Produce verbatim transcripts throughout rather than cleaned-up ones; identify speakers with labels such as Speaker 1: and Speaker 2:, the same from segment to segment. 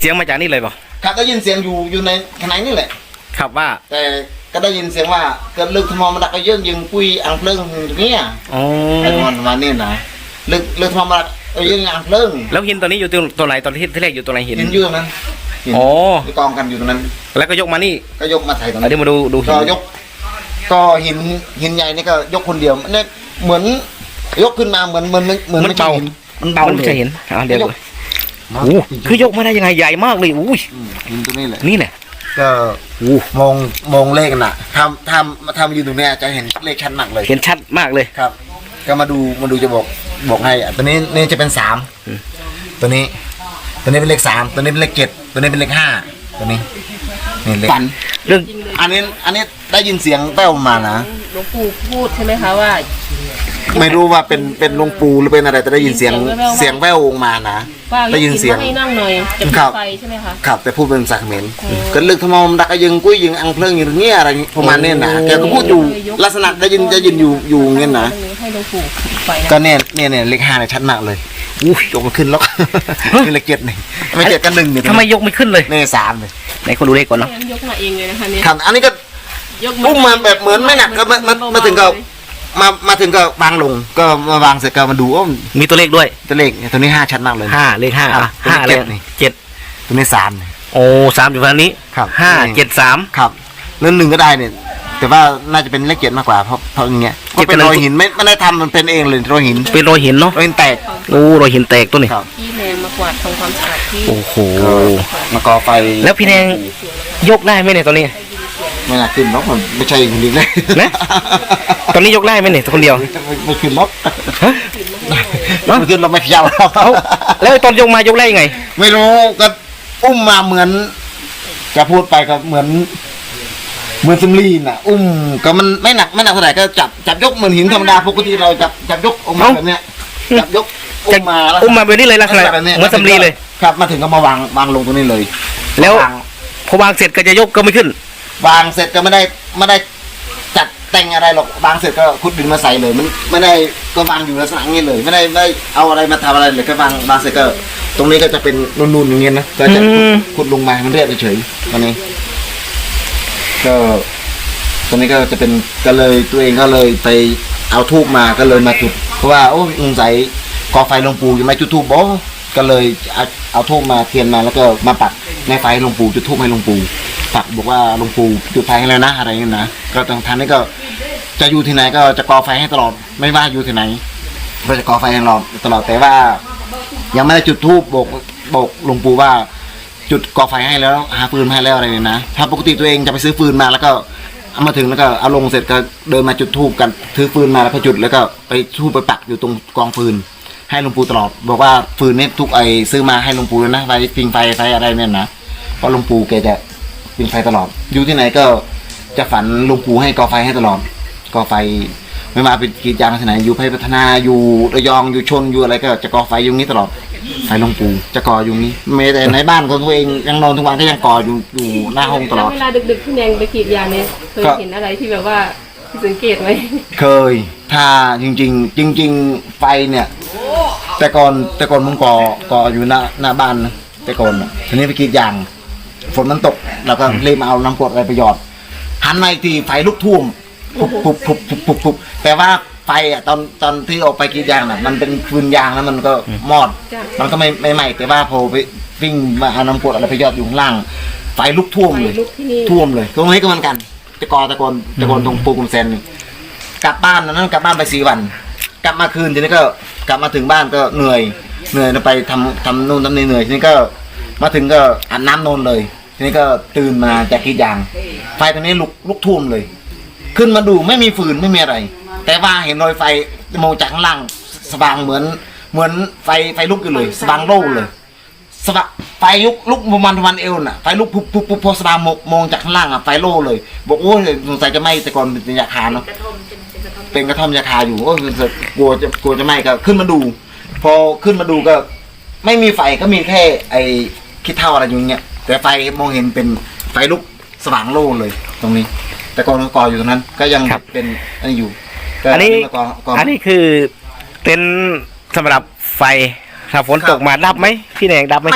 Speaker 1: สียงมาจากนี่เลยเปล่า
Speaker 2: ครับได้ยินเสียงอยู่อยู่ในข้างในนี่แหละ
Speaker 1: ครับว่า
Speaker 2: แต่ก็ได้ยินเสียงว่าเกิดลึกทมอมันดักก็เยอะยิงปุยอังเพลิงอย่างเงี้ย
Speaker 1: อ๋อ
Speaker 2: ไอ้มันมาเนี่ยนะลึกลึกทมอมันดักก็ยิงอังเพลิง
Speaker 1: แล้วหินตัวนี้อยู่ตรงตัวไหนตอนที่ที่แรกอยู่ตัวไหนหิน
Speaker 2: หินอยู่ตรงนั้น
Speaker 1: อ๋อ
Speaker 2: ที่กองกันอยู่ตรงนั้น
Speaker 1: แล้วก็ยกมานี่
Speaker 2: ก็ยกมาใส่ตรง
Speaker 1: นี้เดี๋ยวมาดูดู
Speaker 2: ก็ยกก็หินหินใหญ่นี่ก็ยกคนเดียวเนี่ยเหมือนยกขึ้นมาเหมือนเหมือนเหมือน
Speaker 1: มันเบา
Speaker 2: มันเบาเลย
Speaker 1: จะเห็นอ่าเดี๋ยวโอ้คือยกมาได้ยังไงใหญ่มากเลยอุ้ย
Speaker 2: หินตัวนี้แหละ
Speaker 1: นี่แหละ
Speaker 2: ก็มองมองเลขน่ะทำทำมาทำอยู่ตรงเนี้ยจะเห็นเลขชัดมากเลย
Speaker 1: เห็นชัดมากเลย
Speaker 2: ครับก็มาดูมาดูจะบอกบอกให้ตัวนี้นี่จะเป็นสามตัวนี้ตัวนี้เป็นเลขสามตัวนี้เป็นเลขเจ็ดตัวนี้เป็นเลขห้าตัวนี้นี่เลขฝันเรื่องอันนี้อันนี้ได้ยินเสียงแป้วมานะ
Speaker 3: หลวงปู่พูดใช่ไหมคะว่า
Speaker 2: ไม่รู้ว่าเป็นเป็นหลวงปู่หรือเป็นอะไรแต่ได้ยินเสียงเสียงแว่วออกมานะได้ยินเสียง
Speaker 3: ให้นั่งหน่อยจะไฟใช่ไหมคะ
Speaker 2: ครับแต่พูดเป็นภาษาเขมรก็ลึกทมอมดักยิงกุ้ยยิงอังเพลิงอย่างเงี้ยอะไรประมาณนี้นะแกก็พูดอยู่ลักษณะได้ยินได้ยินอยู่อยู่เงี้ยนะ
Speaker 3: ให้หลวงปู่ไฟ
Speaker 2: ก็เนี่ยเนี่ยเนี่ยเลขห้าเนี่ยชัดมากเลยอุ้ยยกมันขึ้นแล้วนี่เลขเจ็ดนี่ไม่เจ็ดกันหนึ่งเนี่ย
Speaker 1: ทำไมยกไม่ขึ้นเลย
Speaker 2: นี่สามเลย
Speaker 1: ไหนคนดูเลขก่อนเนาะ
Speaker 3: ยกมาเองเลยนะคะเนี่ย
Speaker 2: ครับอันนี้ก็อุ้มมาแบบเหมือนไม่หนักก็มามาถึงก็มามาถึงก็วางลงก็มาวางเสร็จก็มาดูว่า
Speaker 1: มีตัวเลขด้วย
Speaker 2: ตัวเลขตัวนี้ห้าชัดมากเลย
Speaker 1: ห้าเลขห้าห้าเลขเจ็ด
Speaker 2: ตัวนี้สาม
Speaker 1: โอ้สามอยู่ฝั่งนี้
Speaker 2: ครับ
Speaker 1: ห้าเจ็ดสาม
Speaker 2: ครับเรื่องหนึ่งก็ได้เนี่ยแต่ว่าน่าจะเป็นเลขเจ็ดมากกว่าเพราะเพราะอย่างเงี้ยก็เป็นรอยหินไม่ไม่ได้ทำมันเป็นเองเลยรอยหิน
Speaker 1: เป็นรอยหินเนาะ
Speaker 2: รอยหินแตก
Speaker 1: โอ้รอยหินแตกตัวนี้
Speaker 3: พี่แนงมากวาดทำความสะอาดที่
Speaker 1: โอ้โห
Speaker 2: มาก่อไฟ
Speaker 1: แล้วพี่แนงยกได้ไหมเนี่ยตัวนี้
Speaker 2: ไม่น่าขึ้นล็อกมันไม่ใช่คนเดียวเลย
Speaker 1: นะตอนนี้ยกได้ไหมเนี่ยคนเดียว
Speaker 2: ไม่ขึ้นล็อก
Speaker 1: ฮะ
Speaker 2: ไม่ขึ้นล็อกไม่เพียว
Speaker 1: แล้วตอนยกมายกได้ยังไง
Speaker 2: ไม่รู้ก็อุ้มมาเหมือนจะพูดไปก็เหมือนเหมือนสมลีน่ะอุ้มก็มันไม่หนักไม่หนักเท่าไหร่ก็จับจับยกเหมือนหินธรรมดาปกติเราจับจับยกออกมาแบบเนี้ยจับยกอุ้มมา
Speaker 1: อุ้มมาแบบนี้เลยลักษณะเหมือนสมลีเลย
Speaker 2: ครับมาถึงก็มาวางวางลงตรงนี้เลย
Speaker 1: แล้วพอวางเสร็จก็จะยกก็ไม่ขึ้น
Speaker 2: วางเสร็จก็ไม่ได้ไม่ได้จัดแต่งอะไรหรอกวางเสร็จก็ขุดดินมาใส่เลยมันไม่ได้ก็วางอยู่ลักษณะนี้เลยไม่ได้ไม่เอาอะไรมาทำอะไรเลยก็วางวางเสร็จก็ตรงนี้ก็จะเป็นนูนๆอย่างเงี้ยนะก็จะขุดลงมามันเรียบเฉยๆตอนนี้ก็ตรงนี้ก็จะเป็นก็เลยตัวเองก็เลยไปเอาทูบมาก็เลยมาจุดเพราะว่าโอ้ยสงสัยกอไฟหลวงปู่ยังไม่จุดทูบบ่ก็เลยเอาเอาทูบมาเทียนมาแล้วก็มาปักในไฟหลวงปู่จุดทูบให้หลวงปู่ปักบอกว่าหลวงปู่จุดไฟให้แล้วนะอะไรเงี้ยนะก็ทางทางนี้ก็จะอยู่ที่ไหนก็จะกอไฟให้ตลอดไม่ว่าอยู่ที่ไหนก็จะกอไฟให้ตลอดตลอดแต่ว่ายังไม่ได้จุดทูบบอกบอกหลวงปู่ว่าจุดกอไฟให้แล้วหาฟืนให้แล้วอะไรเนี่ยนะถ้าปกติตัวเองจะไปซื้อฟืนมาแล้วก็เอามาถึงแล้วก็เอาลงเสร็จก็เดินมาจุดทูบกันถือฟืนมาแล้วก็จุดแล้วก็ไปทูบไปปักอยู่ตรงกองฟืนให้หลวงปู่ตลอดบอกว่าฟืนนี้ทุกไอซื้อมาให้หลวงปู่นะไฟปิงไฟไฟอะไรเนี่ยนะเพราะหลวงปู่แกจะปิงไฟตลอดอยู่ที่ไหนก็จะฝันหลวงปู่ให้กอไฟให้ตลอดกอไฟไม่มาเป็นกีดยางที่ไหนอยู่ไพพัฒนาอยู่ระยองอยู่ชนอยู่อะไรก็จะกอไฟอยู่นี้ตลอดไฟหลวงปู่จะก่ออยู่นี้ไม่แต่ในบ้านของตัวเองยังนอนทุกวันก็ยังก่ออยู่อยู่หน้าห้องตลอด
Speaker 3: เวลาดึกๆพี่แนงไปกรีดยางเนี่ยเคยเห็นอะไรที่แบบว่าสังเกตไหม
Speaker 2: เคยถ้าจริงๆจริงๆไฟเนี่ยแต่ก่อนแต่ก่อนมึงก่อก่ออยู่หน้าหน้าบ้านนะแต่ก่อนทีนี้ไปกรีดยางฝนมันตกเราก็รีบมาเอาน้ำกรดอะไรไปหยอดหันมาอีกทีไฟลุกท่วมปุบปุบปุบปุบปุบปุบแต่ว่าไฟอ่ะตอนตอนที่ออกไปกรีดยางน่ะมันเป็นฟืนยางแล้วมันก็มอดมันก็ไม่ไม่ไหม้แต่ว่าพอไปวิ่งมาเอาน้ำกรดอะไรไปหยอดอยู่ข้างล่างไฟลุกท่วมเลยท่วมเลยตรงนี้ก็เหมือนกันตะกอตะกอนตะกอนตรงปูกุมเซนกลับบ้านนั้นกลับบ้านไปสี่วันกลับมาคืนทีนี้ก็กลับมาถึงบ้านก็เหนื่อยเหนื่อยไปทำทำนู่นทำนี่เหนื่อยทีนี้ก็มาถึงก็อาบน้ำนอนเลยทีนี้ก็ตื่นมาจากกรีดยางไฟตรงนี้ลุกลุกท่วมเลยขึ้นมาดูไม่มีฟืนไม่มีอะไรแต่ว่าเห็นรอยไฟมองจากข้างล่างสว่างเหมือนเหมือนไฟไฟลุกอยู่เลยสว่างโล่เลยสว่างไฟลุกลุกประมาณประมาณเอวน่ะไฟลุกปุ๊บปุ๊บปุ๊บพอสว่างมองจากข้างล่างอ่ะไฟโล่เลยบอกโอ้ยสงสัยจะไหม้แต่ก่อนเป็นยาคาเนาะเป็นกระท่อมยาคาอยู่โอ้ยกลัวจะกลัวจะไหม้ก็ขึ้นมาดูพอขึ้นมาดูก็ไม่มีไฟก็มีแค่ไอ้ขี้เถ้าอะไรอยู่เงี้ยแต่ไฟมองเห็นเป็นไฟลุกสว่างโล่เลยตรงนี้แต่ก่อนก่ออยู่ตรงนั้นก็ยังเป็นอันนี้อยู่
Speaker 1: อันนี้อันนี้คือเป็นสำหรับไฟถ้าฝนตกมาดับไหมพี่แดงดับไหม
Speaker 2: ไม่ดับ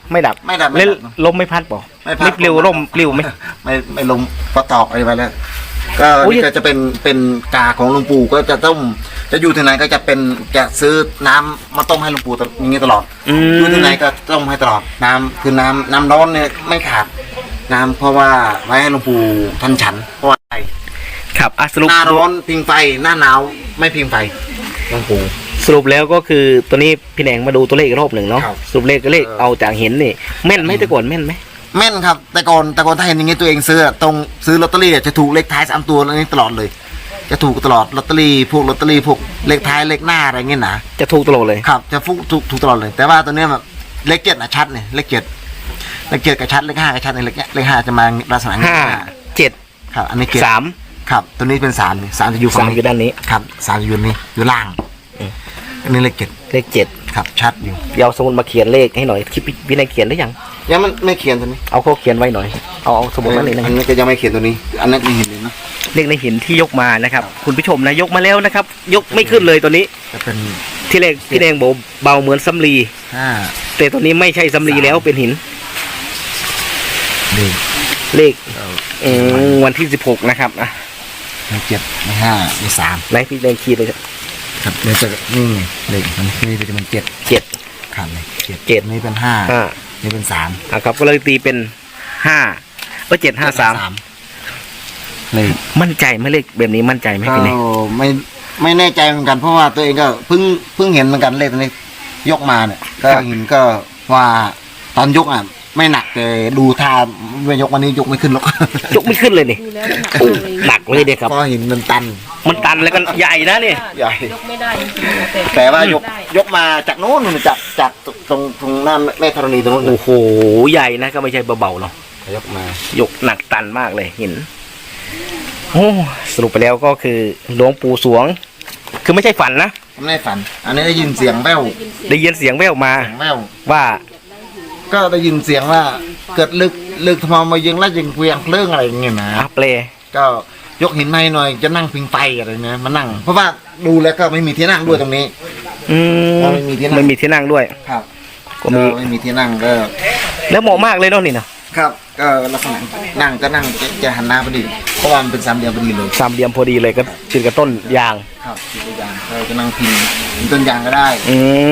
Speaker 1: ไม่ดับ
Speaker 2: ไม่ดับไม่
Speaker 1: เล่น
Speaker 2: ดับ
Speaker 1: ลมไม่พัดบอก
Speaker 2: ไม่พัด
Speaker 1: ไม่ปลิวร่มปลิวไหม
Speaker 2: ไม่ไม่ลมก็ตอกอะไรไปแล้ว ก็
Speaker 1: โอ้ย
Speaker 2: นี่ก็จะเป็นเป็นกาของหลวงปู่ก็จะต้มจะอยู่ที่ไหนก็จะเป็นจะซื้อน้ำมาต้มให้หลวงปู่ตลอดอย่างนี้ตลอด
Speaker 1: อื
Speaker 2: อยู่
Speaker 1: ม
Speaker 2: ที่ไหนก็ต้มให้ตลอดน้ำคือน้ำน้ำร้อนเนี่ยไม่ขาดน้ำเพราะว่าไว้ให้หลวงปู่ท่านฉันเพราะว่าอะไร
Speaker 1: ครับอ่ะสรุป
Speaker 2: หน้าร้อนพิงไฟหน้าหนาวไม่พิงไฟหลวงปู่
Speaker 1: สรุปแล้วก็คือตัวนี้พี่แหนงมาดูตัวเลขอีกรอบหนึ่งเนาะ
Speaker 2: ครับ
Speaker 1: สรุปเลขก็เลข
Speaker 2: เออ
Speaker 1: เอาจากเห็นนี่แม่นไหมแต่ก่อนแม่นไหม
Speaker 2: แม่นครับแต่ก่อนแต่ก่อนถ้าเห็นอย่างงี้ตัวเองซื้อตรงซื้อลอตเตอรี่จะถูกเลขท้ายสามตัวแล้วนี่ตลอดเลย จะถูกตลอดลอตเตอรี่พวกลอตเตอรี่พวกเลขท้ายเลขหน้าอะไรเงี้ยนะ
Speaker 1: จะถูกตลอดเลย
Speaker 2: ครับจะฟุกถูกถูกตลอดเลย แต่ว่าตัวเนี้ยแบบเลขเจ็ดนะชัดเนี่ยเลขเจ็ดเลขเจ็ดกับชัดเลขห้ากับชัดในเลขเนี้ยเลขห้าจะมาลักษณะนี้
Speaker 1: ห้าเจ็ด
Speaker 2: ครับอันนี้เจ็ด
Speaker 1: สาม
Speaker 2: ครับตัวนี้เป็นสามนี่สามจะอยู่ฝั่
Speaker 1: สาง มอยู่ด้านนี้
Speaker 2: ครับสามจะอยู่นี่อยู่ล่าง
Speaker 1: อืม
Speaker 2: อันนี้เลขเจ็ด
Speaker 1: เลขเจ็ด
Speaker 2: ครับชัดอยู่
Speaker 1: เดี๋ยวเอาสมุดมาเขียนเลขให้หน่อยคิดพี่นายเขียนได้ยัง
Speaker 2: ยังมันไม่เขียนตัวนี้
Speaker 1: เอาเขาเขียนไว้หน่อยเอาเอาสมุดมาหน่อยนึง
Speaker 2: อันนี้ก็ยังไม่เขียนตัวนี้ อันนั้นไม่เห็นเลยนะ
Speaker 1: เลขในหินที่ยกมานะครับ คุณผู้ชมนะยกมาแล้วนะครับ ยกไม่ขึ้นเลยตัวนี้
Speaker 2: จะเป็น
Speaker 1: ที่เลขพี่แดงบอกเบาเหมือนสำลี
Speaker 2: ห้า
Speaker 1: แต่ตัวนี้ไม่ใช่สำลีแล้วเป็นหิน
Speaker 2: เลข
Speaker 1: เลขอืมวันที่สิบหกนะครับอ่ะ
Speaker 2: เลขเจ็ดเลขห้าเลขสาม
Speaker 1: ไหนพี่แดงขีดเลยครับ
Speaker 2: ครับเดี๋ยวจะนี่ไงเลขมันนี่จะเป็นเจ็ด
Speaker 1: เจ็ด
Speaker 2: ขาดเลยเจ็ด
Speaker 1: เจ็ด
Speaker 2: นี่เป็นห้า
Speaker 1: ห้า
Speaker 2: นี่เป็นสาม
Speaker 1: อ่ะครับก็เลยตีเป็นห้าก็เจ็ดห้าสาม
Speaker 2: เลข
Speaker 1: มั่นใจไหมเลขแบบนี้มั่นใจไหม
Speaker 2: ก็
Speaker 1: พี่แดง
Speaker 2: ไม่ไม่แน่ใจเหมือนกันเพราะว่าตัวเองก็เพิ่งเพิ่งเห็นเหมือนกันเลขตัวนี้ยกมาเนี่ยก็เห็นก็ว่าตอนยกอ่ะไม่หนักแต่ดูท่าไม่ยกวันนี้ยกไม่ขึ้นหรอก
Speaker 1: ยกไม่ขึ้นเลยนี่
Speaker 3: ดูแล้วหนัก
Speaker 1: โอ้
Speaker 3: เลย
Speaker 1: หนักเลยเด็กครับ
Speaker 2: เพราะหินมันตัน
Speaker 1: มันตันแล้วก็ใหญ่นะนี่
Speaker 2: ใหญ่
Speaker 3: ยกไม่ได้จริงๆแต่
Speaker 2: แต่ว่ายก
Speaker 3: ได้
Speaker 2: ยกมาจากโน้นจากจากตรงตรงหน้าแม่ธรณีตรงโน้น
Speaker 1: โอ้โหใหญ่นะก็ไม่ใช่เบาๆเนาะ
Speaker 2: ยกมาย
Speaker 1: กหนักตันมากเลยหินโอ้สรุปไปแล้วก็คือหลวงปู่สวง คือไม่ใช่ฝันนะ
Speaker 2: ไม่ได้ฝัน อันนี้ได้ยินเสียงแว่ว
Speaker 1: ได้ยินเสียงแว่วมา
Speaker 2: เสียงแว่ว
Speaker 1: ว่า
Speaker 2: ก็ได้ยินเสียงว่าเกิดลึกลึกทำไมมายิงแล้วยิงเวียงเรื่องอะไรอย่างเงี้ยนะ
Speaker 1: อัปเล
Speaker 2: ก็ยกหินมาให้หน่อยจะนั่งพิงไฟอะไรเนี่ยมานั่ง เพราะว่าดูแล้วก็ไม่มีที่นั่งด้วยตรงนี้
Speaker 1: อืม
Speaker 2: ไม่มีที่นั่ง
Speaker 1: ไม่มีที่นั่งด้วย
Speaker 2: ครับ
Speaker 1: ก็มี
Speaker 2: ไม่มีที่นั่งก็
Speaker 1: แล้วเหมาะมากเลยเนาะนี่นะครับ
Speaker 2: ก็ลักษณะนั่งก็นั่งจะจะหันหน้าพอดีเพราะว่ามันเป็นสามเหลี่ยมพอดีเลย
Speaker 1: สามเหลี่ยมพอดีเลยก็ติดกับต้นยาง
Speaker 2: ครับตัวอย่างเราจะนั่งพิงพิงต้นยางก็ได้
Speaker 1: อืม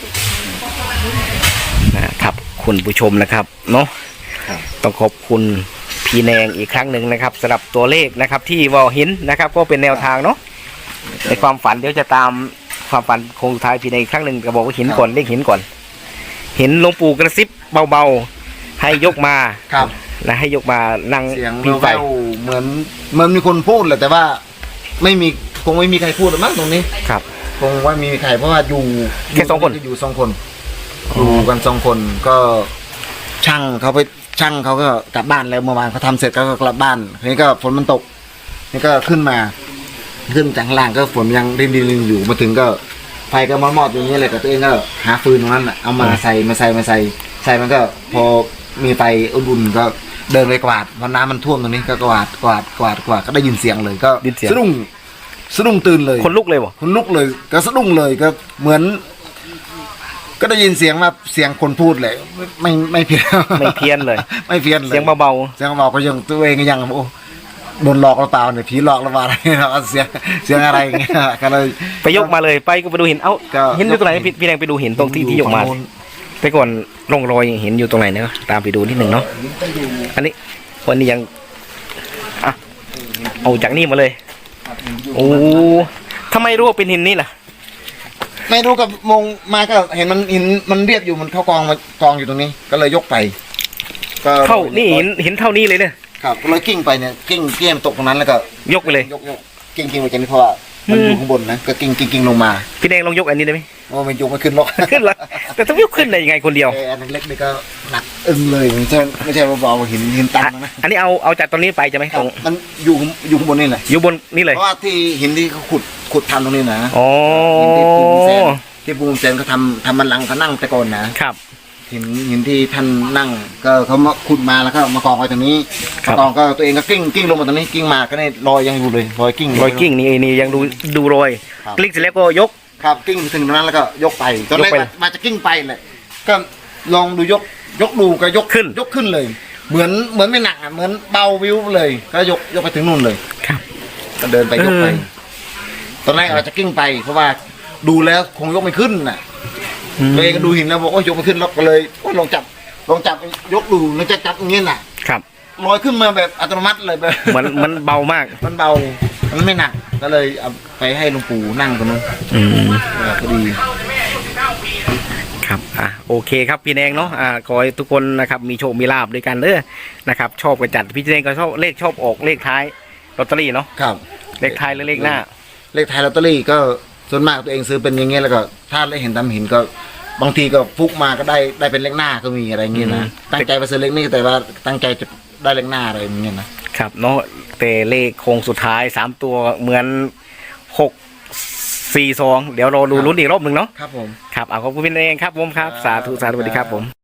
Speaker 1: นะครับคุณผู้ชมนะครับเนาะ
Speaker 2: ครับ
Speaker 1: ต้องขอบคุณพี่แนงอีกครั้งหนึ่งนะครับสำหรับตัวเลขนะครับที่วอหินนะครับ ก็เป็นแนวทางเนาะในความฝันเดี๋ยวจะตามความฝันคงสุดท้ายพี่แนงอีกครั้งหนึ่งก็บอกว่าหินก่อนเลขหินก่อนเห็นหลวงปู่กระซิบเบาๆให้ยกมา
Speaker 2: ครับ
Speaker 1: นะให้ยกมานั่ง
Speaker 2: เสียง
Speaker 1: พิงไฟ
Speaker 2: แว่วๆเหมือนเหมือนมีคนพูดแหละแต่ว่าไม่มีคงไม่มีใครพูดหรอกมั้งตรงนี้
Speaker 1: ครับ
Speaker 2: คงว่ามีใครเพราะว่าอยู่
Speaker 1: แค่สองคน
Speaker 2: อยู่สองคนอยู่กันสองคนก็ช่างเขาไปช่างเขาก็กลับบ้านแล้วเมื่อวานเขาทำเสร็จก็กลับบ้านทีนี้ก็ฝนมันตก นี่ก็ขึ้นมา ขึ้นจากข้างล่างก็ฝนยังรินรินๆอยู่มาถึงก็ไฟก็มอดๆอย่างนี้เลยแต่ตัวเองก็หาฟืนตรงนั้นน่ะเอามาใส่มาใส่มาใส่ใส่มันก็พอมีไฟอุ่นๆก็เดินไปกวาดพอน้ำมันท่วมตรงนี้ก็กวาดกวาดกวาดกวาดก็ได้ยินเสียงเลยก็สะดุ้งสะดุ้งตื่นเลย
Speaker 1: คนลุกเลยบ่
Speaker 2: คนลุกเลยก็สะดุ้งเลยก็เหมือน ก็ได้ยินเสียงมาเสียงคนพูดเลยไม่ไม่เพี้ยน
Speaker 1: ไม่เพี้ยนเลย
Speaker 2: ไม่เพี้ยนเลย
Speaker 1: เสียงเบา
Speaker 2: เสียงเบาก็ยังตัวเองก็ยังโอ้โดนหลอกหรือเปล่าเนี่ยผีหลอกหรือเปล่าอะไรเนาะเสียงเสียงอะไรอย่างเงี้ยก็เลย
Speaker 1: ๆไปยกมาเลยไปก็ไปดูหินเอ้า
Speaker 2: ก็
Speaker 1: เห็นอยู่ตรงไหนพี่พี่แดงไปดูหินตรงที่ที่ยกมา
Speaker 2: ฝั่งนู้น
Speaker 1: ไปก่อนร่องรอยเห็นอยู่ตรงไหนเนาะตามไปดูนิดหนึ่งเนาะอันนี้วันนี้ยังอ่ะเอาจากนี่มาเลยโอ้ทำไมรู้ว่าเป็นหินนี่ล่ะ
Speaker 2: ไม่รู้กับมงมาก็เห็นมันหินมันเรียบอยู่มันเข้ากองมากองอยู่ตรงนี้ ก็เลยยกไป ก็
Speaker 1: เข้านี่หินหินเท่านี้เลยเนี่ย
Speaker 2: ครับก็เลยกิ้งไปเนี่ยกิ้งเกี้ยมตกตรงนั้นแล้วก็
Speaker 1: ยกไปเลย
Speaker 2: ยกยกกิ้งกิ้งไปจากนี้เพราะว่ามันอยู่ข้างบนนะก็กิ้งกิ้งกิ้งลงมา
Speaker 1: พี่แดงลองยกอันนี้ได้ไหม
Speaker 2: ว่ามันยกไม่ขึ้นหรอก
Speaker 1: ขึ้นละแต่ต้องยกขึ้นได้ยังไงคนเดียว
Speaker 2: เอออันเล็กนี่ก็หนักอึ้งเลยไม่ใช่ไม่ใช่เบาๆหินหินตันนะ
Speaker 1: อันนี้เอาเอาจากตรงนี้ไปจะไหม
Speaker 2: ครั
Speaker 1: ต
Speaker 2: บ
Speaker 1: รง
Speaker 2: มันอยู่อยู่ข้างบนนี่แหละ
Speaker 1: อยู่บนนี่เลย
Speaker 2: เพราะว่าที่หินที่เขาขุดขุดทำตรงนี้นะ
Speaker 1: อ๋อ
Speaker 2: หินที่ปูนแซนที่ปูนแซนเขาทำทำมันลังเขานั่งแต่ก่อนนะครับ หินหินที่ท่านนั่ง ก็เขามาขุดมาแล้วก็มากองไว้ตรงนี้
Speaker 1: ครับ
Speaker 2: มากองก็ตัวเองก็กิ้งกิ้งลงมาตรงนี้กิ้งมาก็ได้รอยยังอยู่เลยรอยกิ้ง
Speaker 1: รอยกิ้งนี่นี่ยังดูดูรอย
Speaker 2: ครับ
Speaker 1: กลิ้งเสร็จแล้วก็ยก
Speaker 2: ครับกิ้งไปถึงตรงนั้นแล้วก็ยกไปตอนแรก
Speaker 1: ยกไป
Speaker 2: มามาจะกิ้งไปเลยก็ลองดูยกยกดูก็ยก
Speaker 1: ขึ้น
Speaker 2: ยกขึ้นเลย เหมือนเหมือนไม่หนักอ่ะเหมือนเบาวิวเลย ก็ยกยกไปถึงนู่นเลย
Speaker 1: ครับ
Speaker 2: ก็เดินไปยกไป
Speaker 1: เออ
Speaker 2: ตอนแรกอาจจะกิ้งไป เพราะว่าดูแล้วคงยกไม่ขึ้นน่ะ
Speaker 1: อืม
Speaker 2: ตัวเองก็ดูหินแล้วบอกโอ้ยยกไม่ขึ้นแล้วก็เลยโอ้ยลองจับลองจับยกดูแล้วจะจับอย่างเงี้ยน่ะ
Speaker 1: ครับ
Speaker 2: ลอยขึ้นมาแบบอัตโนมัติเลยแบบ
Speaker 1: มันมันเบามาก
Speaker 2: มันเบา มันไม่หนัก ก็เลยเอาไปให้หลวงปู่นั่งตรงนู้น
Speaker 1: อืม
Speaker 2: เออก็ดี
Speaker 1: ครับอ่ะโอเคครับพี่แดงเนาะอ่าขอให้ทุกคนนะครับมีโชคมีลาบด้วยกันเด้อนะครับ ชอบกันจัดพี่แดงก็ชอบเลขชอบออกเลขท้ายลอตเตอรี่เนาะ
Speaker 2: ครับ
Speaker 1: เลขท้ายหรือเลขหน้า
Speaker 2: เลขไทายลอตเตอรี่ก็ส่วนมากตัวเองซื้อเป็นอย่างเงี้ยแล้วก็ถ้าได้เห็นตามหินก็บางทีก็ฟุกมาก็ได้ได้เป็นเลขหน้าก็มีอะไรอย่างเงี้ย
Speaker 1: อื
Speaker 2: นะ
Speaker 1: ม
Speaker 2: ตั้งใจไปซื้อเลขนี้แต่ว่าตั้งใจจะได้เลขหน้าอะไรอย่างเงี้ยนะครับ
Speaker 1: เนาะแต่เลขโค้งสุดท้ายสามตัวเหมือนหกสี่สองเดี๋ยวเราดูลุ้นอีกรอบหนึ่งเนาะ
Speaker 2: ครับผม
Speaker 1: ครับเอาขอบคุณพี่แดงครับผมครับสาธุสาธุสวัสดีครับผม